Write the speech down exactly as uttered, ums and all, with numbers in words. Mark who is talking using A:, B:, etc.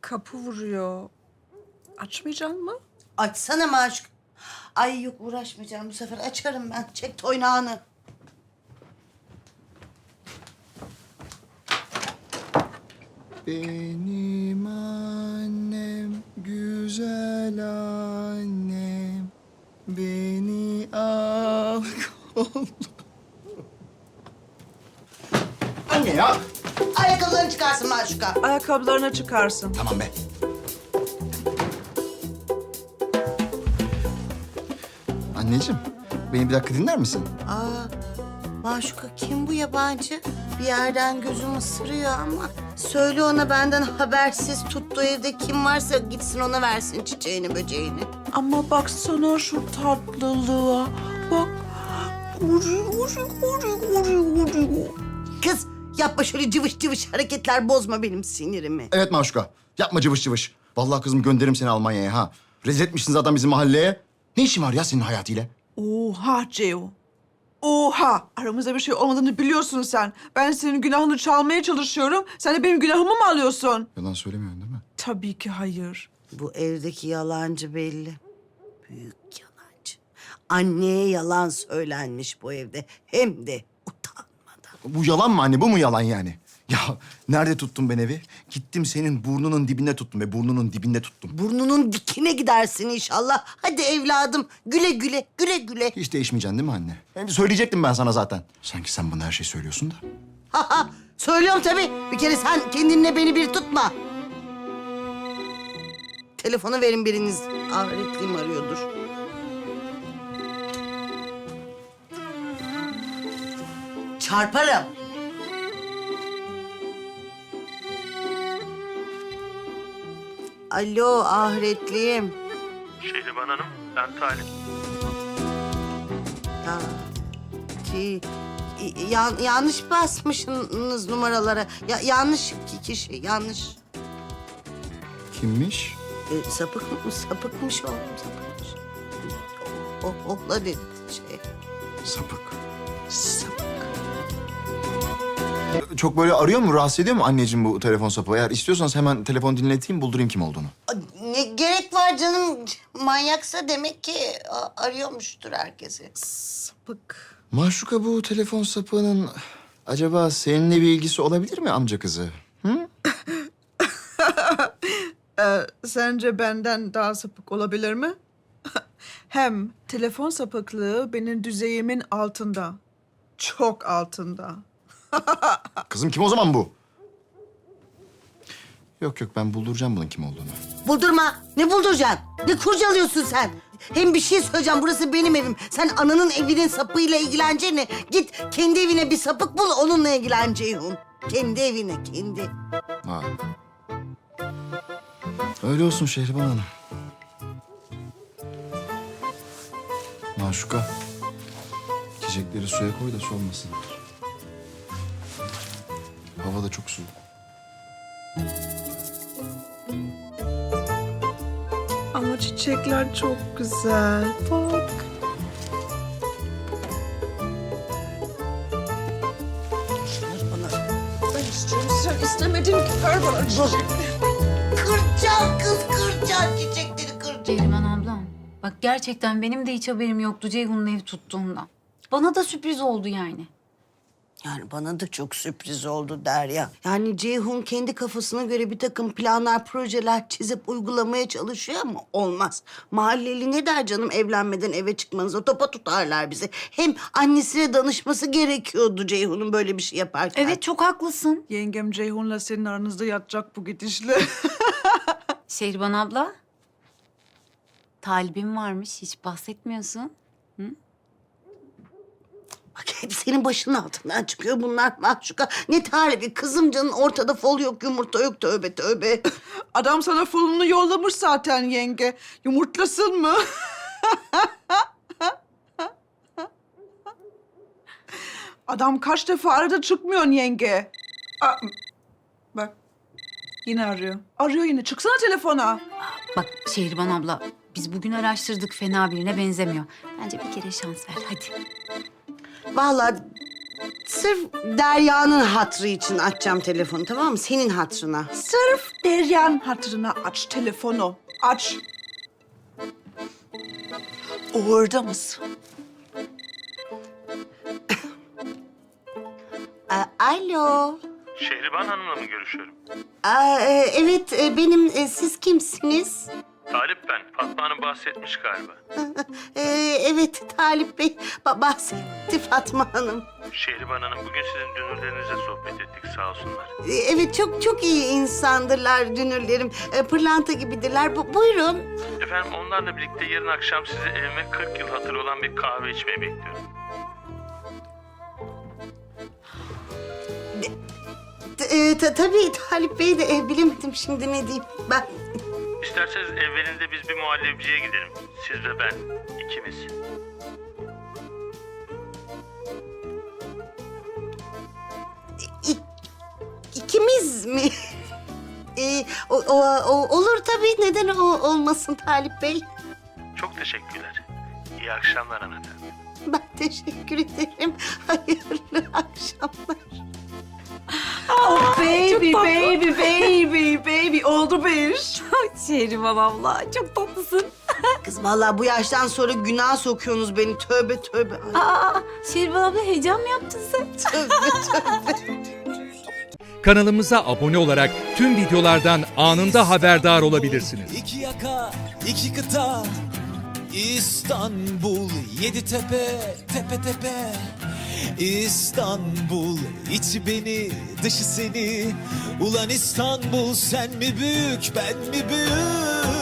A: kapı vuruyor. Açmayacaksın mı?
B: Açsana Maşuk. Ay yok uğraşmayacağım bu sefer. Açarım ben. Çek toynağını.
C: Benim annem, güzel annem, beni al kol. Anne ya!
B: Ayakkabılarını çıkarsın Maşuk'a.
A: Ayakkabılarına çıkarsın.
C: Tamam be. Anneciğim, beni bir dakika dinler misin?
B: Aa, Maşuk'a kim bu yabancı? Bir yerden gözüm ısırıyor ama. Söyle ona benden habersiz tuttuğu evde kim varsa gitsin ona versin çiçeğini böceğini.
A: Ama baksana şu tatlılığa. Bak. Uri, uri, uri, uri, uri.
B: Kız yapma şöyle cıvış cıvış hareketler, bozma benim sinirimi.
C: Evet Maşuka, yapma cıvış cıvış. Vallahi kızım gönderirim seni Almanya'ya ha. Rezil etmişsin zaten bizim mahalleye. Ne işin var ya senin hayatıyla?
A: Oha Ceo. Oha! Aramızda bir şey olmadığını biliyorsun sen. Ben senin günahını çalmaya çalışıyorum. Sen de benim günahımı mı alıyorsun?
C: Yalan söylemiyorsun değil mi?
A: Tabii ki hayır.
B: Bu evdeki yalancı belli. Büyük yalancı. Anneye yalan söylenmiş bu evde. Hem de utanmadan.
C: Bu yalan mı anne? Bu mu yalan yani? Ya nerede tuttum ben evi? Gittim senin burnunun dibinde tuttum ve burnunun dibinde tuttum.
B: Burnunun dikine gidersin inşallah. Hadi evladım güle güle, güle güle.
C: Hiç değişmeyeceksin değil mi anne? Hem söyleyecektim ben sana zaten. Sanki sen bana her şeyi söylüyorsun da.
B: Ha ha, söylüyorum tabii. Bir kere sen kendinle beni bir tutma. Telefonu verin biriniz. Ahretliğim arıyordur. Çarparım. Alo ahretliğim.
D: Şehriban Hanım, ben Talip.
B: Ya, ki, ya- yanlış basmışsınız numaralara. Ya, yanlış ki- kişi, yanlış.
C: Kimmiş?
B: E, sapık mı? Sapıkmış oğlum, sapıkmış. O, o, ohla dedi şey.
C: Sapık.
B: Sapık.
C: Çok böyle arıyor mu, rahatsız ediyor mu anneciğim bu telefon sapı? Eğer istiyorsanız hemen telefon dinleteyim, buldurayım kim olduğunu.
B: Ne gerek var canım? Manyaksa demek ki a- arıyormuştur herkesi.
A: Sapık.
C: Maşuka, bu telefon sapığının acaba seninle bir ilgisi olabilir mi amca kızı? Hı?
A: Ee, sence benden daha sapık olabilir mi? Hem telefon sapıklığı benim düzeyimin altında. Çok altında.
C: Kızım kim o zaman bu? Yok yok, ben bulduracağım bunun kim olduğunu.
B: Buldurma. Ne bulduracaksın? Ne kurcalıyorsun sen? Hem bir şey söyleyeceğim. Burası benim evim. Sen ananın evinin sapığıyla ilgileneceğine git kendi evine bir sapık bul, onunla ilgilen Ceyhun. Kendi evine, kendi.
C: Vay. Öyle olsun Şehriban Hanım. Maşuka, çiçekleri suya koy da solmasınlar. Hava da çok soğuk.
A: Ama çiçekler çok güzel. Bak.
B: Bana
A: Ben istiyorum. Sen istemedin ki. Ver bana çiçek.
B: kıracağım kız, kıracağım çiçekleri kıracağım.
E: Ceylan ablam, bak gerçekten benim de hiç haberim yoktu Ceyhun'un ev tuttuğundan. Bana da sürpriz oldu yani.
B: Yani bana da çok sürpriz oldu Derya. Yani Ceyhun kendi kafasına göre bir takım planlar, projeler çizip uygulamaya çalışıyor ama olmaz. Mahalleli ne der canım evlenmeden eve çıkmanıza? Topa tutarlar bizi. Hem annesine danışması gerekiyordu Ceyhun'un böyle bir şey yaparken.
E: Evet, çok haklısın.
A: Yengem Ceyhun'la senin aranızda yatacak bu gidişle.
E: Şehriban abla, talibim varmış, hiç bahsetmiyorsun.
B: Bak hep senin başının altından çıkıyor bunlar Mahşuka. Ne tarifi kızım canın, ortada fol yok, yumurta yok, tövbe tövbe.
A: Adam sana fulunu yollamış zaten yenge. Yumurtlasın mı? Adam kaç defa aradı, çıkmıyorsun yenge. Aa, bak yine arıyor. Arıyor yine. Çıksana telefona.
E: Bak Şehriban abla, biz bugün araştırdık, fena birine benzemiyor. Bence bir kere şans ver, hadi.
B: Vallahi sırf Derya'nın hatrı için açacağım telefonu, tamam mı? Senin hatrına.
A: Sırf Derya'nın hatırına aç telefonu. Aç. Orada mısın?
B: Aa, alo.
D: Şehriban Hanım'la mı görüşüyorum?
B: Aa, e, evet, e, benim. E, siz kimsiniz?
D: Talip ben. Fatma Hanım bahsetmiş galiba.
B: E, evet, Talip Bey ba- bahsetti Fatma Hanım.
D: Şehriban Hanım bugün sizin dünürlerinizle sohbet ettik sağ olsunlar.
B: E, evet, çok çok iyi insandırlar dünürlerim. E, pırlanta gibidirler. Bu, buyurun.
D: Efendim onlarla birlikte yarın akşam sizi evime kırk yıl hatırı olan bir kahve içmeye bekliyorum.
B: E, ta- tabii Talip Bey de e, bilemedim şimdi ne diyeyim. Ben
D: İsterseniz evvelinde biz bir muhallebiciye gidelim. Siz ve ben. ikimiz.
B: İ- ikimiz mi? E, o, o- o- olur tabii. Neden o, olmasın Talip Bey?
D: Çok teşekkürler. İyi akşamlar hanımefendi.
B: Ben teşekkür ederim. Hayırlı akşamlar.
A: Baby, baby, baby, baby. Oldu bir iş.
E: Şehriban abla çok tatlısın.
B: Kız vallahi bu yaştan sonra günah sokuyorsunuz beni. Tövbe tövbe. Ay,
E: Aa, Şehriban abla heyecan mı yaptın sen?
B: tövbe tövbe.
F: Kanalımıza abone olarak tüm videolardan anında haberdar olabilirsiniz.
G: İki yaka, iki kıta, İstanbul, yedi tepe, tepe tepe. İstanbul, içi beni, dışı seni. Ulan İstanbul, sen mi büyük, ben mi büyük?